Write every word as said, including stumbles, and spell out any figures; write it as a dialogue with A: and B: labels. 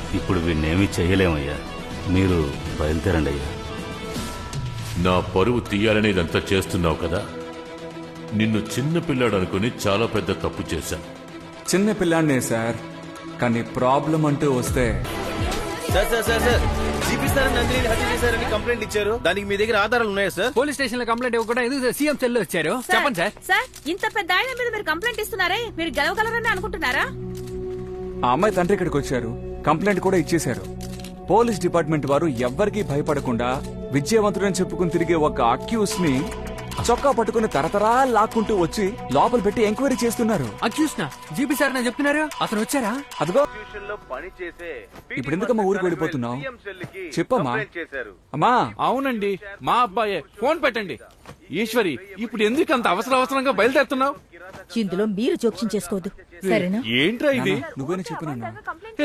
A: ఇప్పుడు వీణ్ణేమీ చెయ్యలేమయ్యా. మీరు బయలుదేరండి అయ్యా.
B: నా పరువు తీయాలని ఇదంతా చేస్తున్నావు కదా. నిన్ను చిన్న పిల్లాడు అనుకుని చాలా పెద్ద తప్పు చేశాను.
C: చిన్న పిల్లాడినే సార్, కానీ ప్రాబ్లం అంటూ వస్తే
D: sir sir sir sir GP sir Nandini హత్య చేశారని కంప్లైంట్ ఇచ్చారు. దానికి మీ దగ్గర ఆధారాలు ఉన్నాయా సార్?
E: పోలీస్ స్టేషన్ లో కంప్లైంట్ ఇవ్వకుండా ఎందుకు సీఎం సెల్ లో వచ్చారు? చెప్పండి సార్.
F: సార్ ఇంత పెద్ద ఆయన మీద మీరు కంప్లైంట్ ఇస్తున్నారే, మీరు గెలవగలరని అనుకుంటున్నారా?
C: ఆ అమ్మాయి తండ్రి ఇక్కడికి వచ్చారు, కంప్లైంట్ కూడా ఇచ్చేశారు. పోలీస్ డిపార్ట్మెంట్ వారు ఎవ్వరికీ భయపడకుండా విజయవంతుడని చెప్పుకుని తిరిగే ఒక అక్యూస్ ని చొక్కా పట్టుకుని తరతరా లాక్కుంటూ వచ్చి లోపల పెట్టి ఎంక్వైరీ చేస్తున్నారు.
E: అక్యూస్నా? జీపీ సార్ నేను చెప్తున్నారు, అతను వచ్చారా?
C: అదిగో ఇప్పుడు ఎందుకమ్మా ఊరికి వెళ్ళిపోతున్నావు? చెప్పమ్మా. అమ్మా.
G: అవునండి, మా అబ్బాయే. ఫోన్ పెట్టండి. ఈశ్వరి, ఇప్పుడు ఎందుకు అంత అవసర అవసరంగా బయలుదేరుతున్నావు?
H: ఇందులో మీరు జోక్యం చేసుకోవద్దు, సరేనా?
G: ఏంట్రా ఇది?
C: నువ్వేనా చెప్పినా?